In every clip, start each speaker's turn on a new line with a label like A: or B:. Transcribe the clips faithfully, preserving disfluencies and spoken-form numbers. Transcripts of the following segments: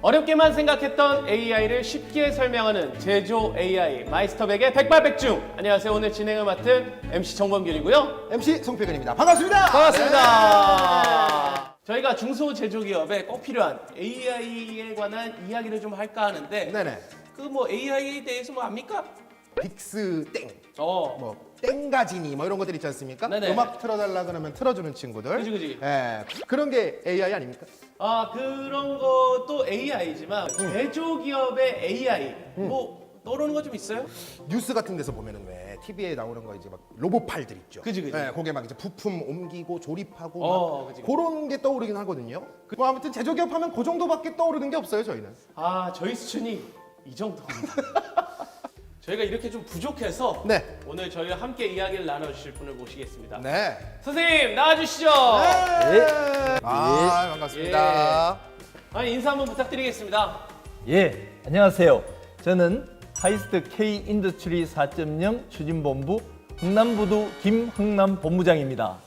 A: 어렵게만 생각했던 에이아이를 쉽게 설명하는 제조 에이아이 마이스터백의 백발백중. 안녕하세요. 오늘 진행을 맡은 엠씨 정범균이고요.
B: 엠씨 송필근입니다. 반갑습니다.
A: 반갑습니다.
B: 네.
A: 저희가 중소제조기업에 꼭 필요한 에이아이에 관한 이야기를 좀 할까 하는데
B: 네네.
A: 그 뭐 에이아이에 대해서 뭐 압니까?
B: 빅스 땡,
A: 어.
B: 뭐 땡가지니 뭐 이런 것들 있지 않습니까?
A: 네네.
B: 음악 틀어달라 그러면 틀어주는 친구들.
A: 그지, 그지.
B: 예, 그런 게 에이아이 아닙니까?
A: 아 그런 것도 에이아이지만 제조기업의 에이아이 뭐 떠오르는 거 좀 있어요?
B: 뉴스 같은 데서 보면은 왜 티비에 나오는 거 이제 막 로봇팔들 있죠.
A: 그지, 그지.
B: 예, 거기에 막 이제 부품 옮기고 조립하고
A: 어,
B: 막
A: 그지, 그지.
B: 그런 게 떠오르긴 하거든요. 뭐 아무튼 제조기업 하면 그 정도밖에 떠오르는 게 없어요 저희는.
A: 아 저희 수준이 이 정도입니다. 저희가 이렇게 좀 부족해서
B: 네.
A: 오늘 저희와 함께 이야기를 나눠주실 분을 모시겠습니다.
B: 네.
A: 선생님 나와주시죠.
B: 네. 아 반갑습니다.
A: 아니 인사 한번 부탁드리겠습니다.
C: 예, 안녕하세요. 저는 하이스트 K 인더스트리 사 점 영 추진본부 흥남부두 김흥남 본부장입니다.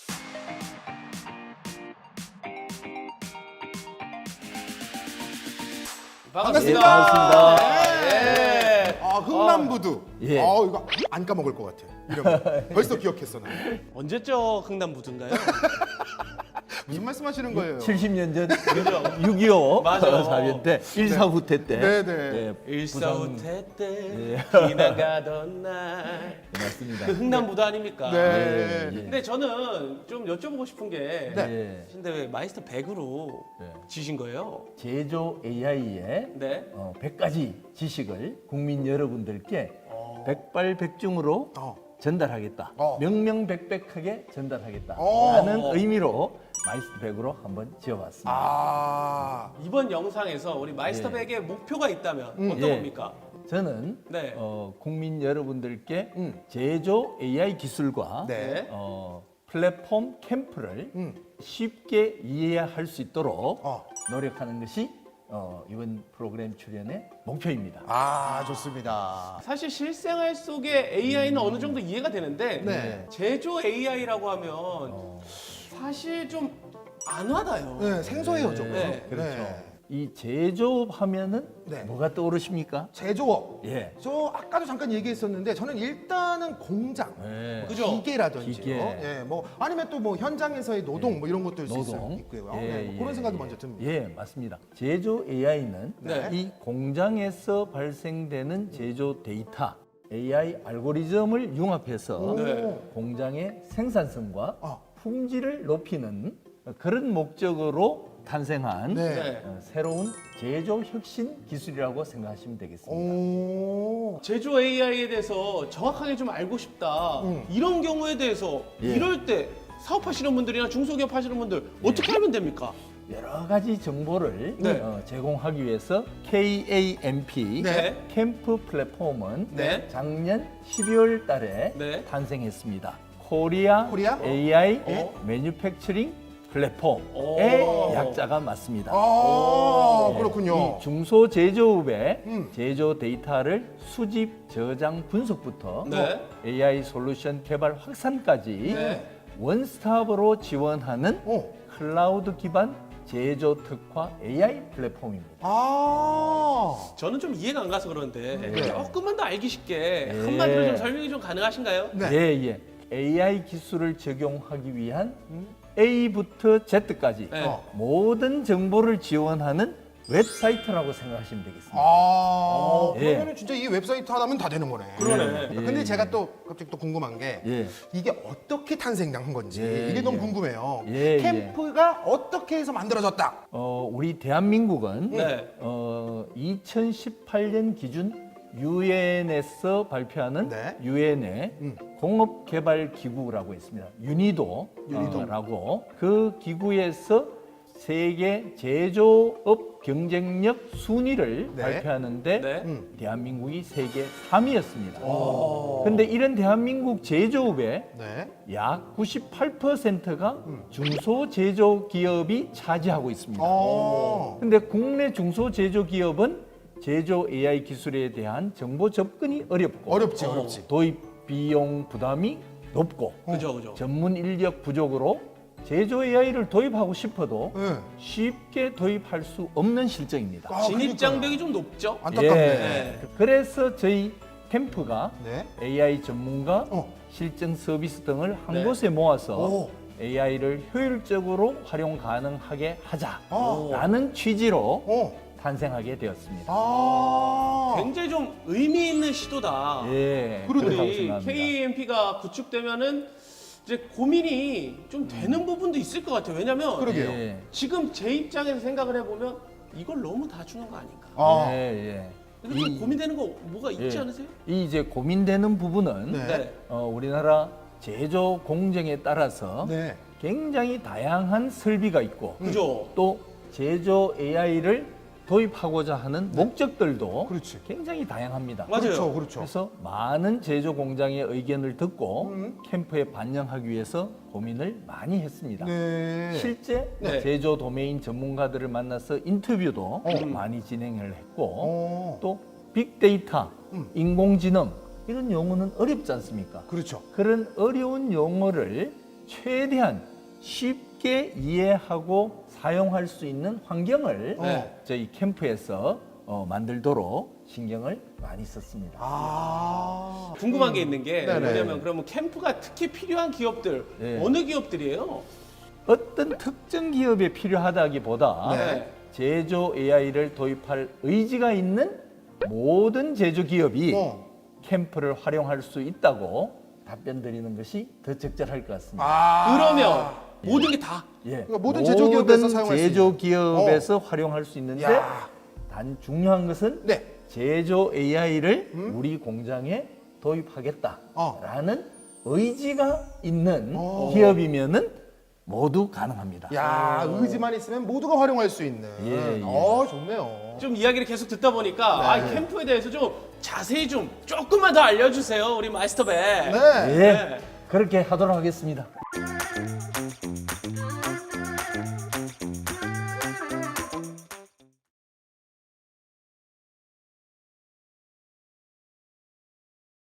A: 반갑습니다.
C: 예, 반갑습니다.
A: 예.
B: 아 흥남부두.
C: 예.
B: 아 이거 안 까먹을 것 같아. 이름 벌써 기억했어 나.
A: 언제죠 흥남부두인가요?
B: 무슨 말씀하시는 거예요?
C: 칠십 년 전 육이오
A: 맞아.
C: 사변 때 일사후 태 때
B: 네, 네.
C: 예,
A: 일사후퇴 때
C: 예.
A: 지나가던 날.
C: 부산- 맞습니다.
A: 그 흥남부두 아닙니까?
B: 네.
C: 예, 예.
A: 근데 저는 좀 여쭤보고 싶은 게
C: 예.
A: 근데 왜 마이스터 백으로
C: 네.
A: 지신 거예요?
C: 제조 에이아이의
A: 네.
C: 어, 백 가지 지식을 국민 여러분들께 백발백중으로
B: 어.
C: 전달하겠다.
B: 어.
C: 명명백백하게 전달하겠다.
B: 어.
C: 라는 의미로 마이스터 백으로 한번 지어봤습니다.
B: 아.
A: 이번 영상에서 우리 마이스터
C: 예.
A: 백에 목표가 있다면 어떤
C: 예.
A: 겁니까?
C: 저는
A: 네.
C: 어, 국민 여러분들께
B: 음.
C: 제조 에이아이 기술과
B: 네.
C: 어, 플랫폼 캠프를
B: 음.
C: 쉽게 이해할 수 있도록
B: 어.
C: 노력하는 것이 어, 이번 프로그램 출연의 목표입니다.
B: 아 좋습니다.
A: 사실 실생활 속의 에이아이는 어느 정도 이해가 되는데
B: 네.
A: 제조 에이아이라고 하면
C: 어,
A: 사실 좀 안 와닿아요.
B: 네 생소해요 좀.
A: 네.
C: 그렇죠. 이 제조업 하면은
B: 네.
C: 뭐가 떠오르십니까?
B: 제조업.
C: 예.
B: 저 아까도 잠깐 얘기했었는데 저는 일단은 공장.
C: 네.
A: 그죠?
B: 기계라든지,
C: 기계.
B: 예, 뭐 아니면 또 뭐 현장에서의 노동 뭐 이런 것도 있을 수
C: 노동.
B: 있고요.
C: 예,
B: 네, 뭐
C: 예,
B: 그런 생각도
C: 예.
B: 먼저 듭니다.
C: 예, 맞습니다. 제조 에이아이는
A: 네.
C: 이 공장에서 발생되는 제조 데이터, 에이아이 알고리즘을 융합해서
A: 네.
C: 공장의 생산성과
B: 아.
C: 품질을 높이는 그런 목적으로 탄생한
B: 네.
A: 네.
C: 어, 새로운 제조 혁신 기술이라고 생각하시면 되겠습니다.
B: 오.
A: 제조 에이아이에 대해서 정확하게 좀 알고 싶다.
B: 음.
A: 이런 경우에 대해서
C: 예.
A: 이럴 때 사업하시는 분들이나 중소기업 하시는 분들 어떻게 하면 됩니까?
C: 여러 가지 정보를
A: 네.
C: 어, 제공하기 위해서 케이에이엠피
A: 네.
C: 캠프 플랫폼은
A: 네.
C: 작년 십이월 달에
A: 네.
C: 탄생했습니다. 코리아,
B: 코리아?
C: 에이아이
B: 어?
C: 매뉴팩처링 플랫폼의
A: 오.
C: 약자가 맞습니다.
B: 아
C: 네.
B: 그렇군요.
C: 이 중소제조업의
B: 음.
C: 제조 데이터를 수집, 저장, 분석부터
A: 네.
C: 에이아이 솔루션 개발 확산까지
A: 네.
C: 원스톱으로 지원하는
B: 어.
C: 클라우드 기반 제조 특화 에이아이 플랫폼입니다.
B: 아.
A: 저는 좀 이해가 안 가서 그러는데
C: 네.
A: 조금만 더 알기 쉽게
C: 네.
A: 한마디로 좀 설명이 좀 가능하신가요?
B: 네.
C: 예, 예. 에이아이 기술을 적용하기 위한 A부터 Z까지
A: 네.
B: 어.
C: 모든 정보를 지원하는 웹사이트라고 생각하시면 되겠습니다.
B: 아.
C: 예.
B: 그러면 진짜 이 웹사이트 하나면 다 되는 거네.
A: 그러네.
C: 예,
B: 근데
C: 예.
B: 제가 또 갑자기 또 궁금한 게
C: 예.
B: 이게 어떻게 탄생한 건지
C: 예,
B: 이게 너무
C: 예.
B: 궁금해요.
C: 예,
B: 캠프가 어떻게 해서 만들어졌다.
C: 어, 우리 대한민국은
A: 네.
C: 어, 이천십팔 년 기준 유엔에서 발표하는
B: 네.
C: 유엔의
B: 음.
C: 공업개발기구라고 있습니다. 유니도라고 그 기구에서 세계 제조업 경쟁력 순위를
B: 네.
C: 발표하는데
A: 네.
B: 음.
C: 대한민국이 세계 삼 위였습니다.
A: 오.
C: 그런데 이런 대한민국 제조업의
B: 네.
C: 약 구십팔 퍼센트가
B: 음.
C: 중소제조기업이 차지하고 있습니다.
B: 어.
C: 근데 국내 중소제조기업은 제조 에이아이 기술에 대한 정보 접근이 어렵고
B: 어렵지,
A: 어.
B: 어렵지.
C: 도입 비용 부담이 높고
A: 그죠, 그죠.
C: 전문 인력 부족으로 제조 에이아이를 도입하고 싶어도
B: 네.
C: 쉽게 도입할 수 없는 실정입니다.
B: 아,
A: 진입
B: 그러니까요.
A: 장벽이 좀 높죠?
B: 안타깝네.
A: 네.
C: 그래서 저희 캠프가
B: 네.
C: 에이아이 전문가,
B: 어.
C: 실증 서비스 등을 한
A: 네.
C: 곳에 모아서
B: 오.
C: 에이아이를 효율적으로 활용 가능하게
B: 어.
C: 하자라는 취지로
B: 어.
C: 탄생하게 되었습니다.
B: 아.
A: 굉장히 좀 의미 있는 시도다.
C: 예,
B: 그러네요.
C: 그렇다고
A: 우리
C: 생각합니다.
A: 케이엠피가 구축되면은 이제 고민이 좀 되는 부분도 있을 것 같아요. 왜냐면
B: 그러게요.
C: 예,
A: 지금 제 입장에서 생각을 해보면 이걸 너무 다 주는 거 아닌가.
B: 아.
C: 예, 예.
A: 근데 좀
C: 이-
A: 고민되는 거 뭐가 있지
C: 예.
A: 않으세요?
C: 이 이제 고민되는 부분은
B: 네.
A: 네.
C: 어, 우리나라 제조 공정에 따라서
B: 네.
C: 굉장히 다양한 설비가 있고
A: 그죠?
C: 또 제조 에이아이를 도입하고자 하는 목적들도
B: 그렇지.
C: 굉장히 다양합니다.
A: 맞아요.
B: 그렇죠. 그렇죠.
C: 그래서 많은 제조 공장의 의견을 듣고
B: 음.
C: 캠프에 반영하기 위해서 고민을 많이 했습니다.
B: 네.
C: 실제
A: 네.
C: 제조 도메인 전문가들을 만나서 인터뷰도
B: 어.
C: 많이 진행을 했고
B: 어.
C: 또 빅데이터,
B: 음.
C: 인공지능 이런 용어는 어렵지 않습니까?
B: 그렇죠.
C: 그런 어려운 용어를 최대한 쉽게 이해하고 사용할 수 있는 환경을
B: 네.
C: 저희 캠프에서 어, 만들도록 신경을 많이 썼습니다.
B: 아.
A: 궁금한 게 있는 게
B: 네네.
A: 뭐냐면 그러면 캠프가 특히 필요한 기업들
C: 네.
A: 어느 기업들이에요?
C: 어떤 특정 기업에 필요하다기보다
A: 네.
C: 제조 에이아이를 도입할 의지가 있는 모든 제조 기업이
B: 어.
C: 캠프를 활용할 수 있다고 답변 드리는 것이 더 적절할 것 같습니다.
B: 아.
A: 그러면 모든 게 다
C: 예.
B: 그러니까 모든 제조 기업에서 사용할 수
C: 제조
B: 있는.
C: 기업에서 활용할 수 있는데
B: 야.
C: 단 중요한 것은
B: 네.
C: 제조 에이아이를
B: 음?
C: 우리 공장에 도입하겠다라는
B: 어.
C: 의지가 있는
B: 어.
C: 기업이면은 모두 가능합니다.
B: 야, 의지만 있으면 모두가 활용할 수 있는.
C: 예, 예.
B: 어, 좋네요.
A: 좀 이야기를 계속 듣다 보니까 아, 이 캠프에 대해서 좀 자세히 좀 조금만 더 알려주세요, 우리 마이스터백.
B: 네.
C: 예, 그렇게 하도록 하겠습니다.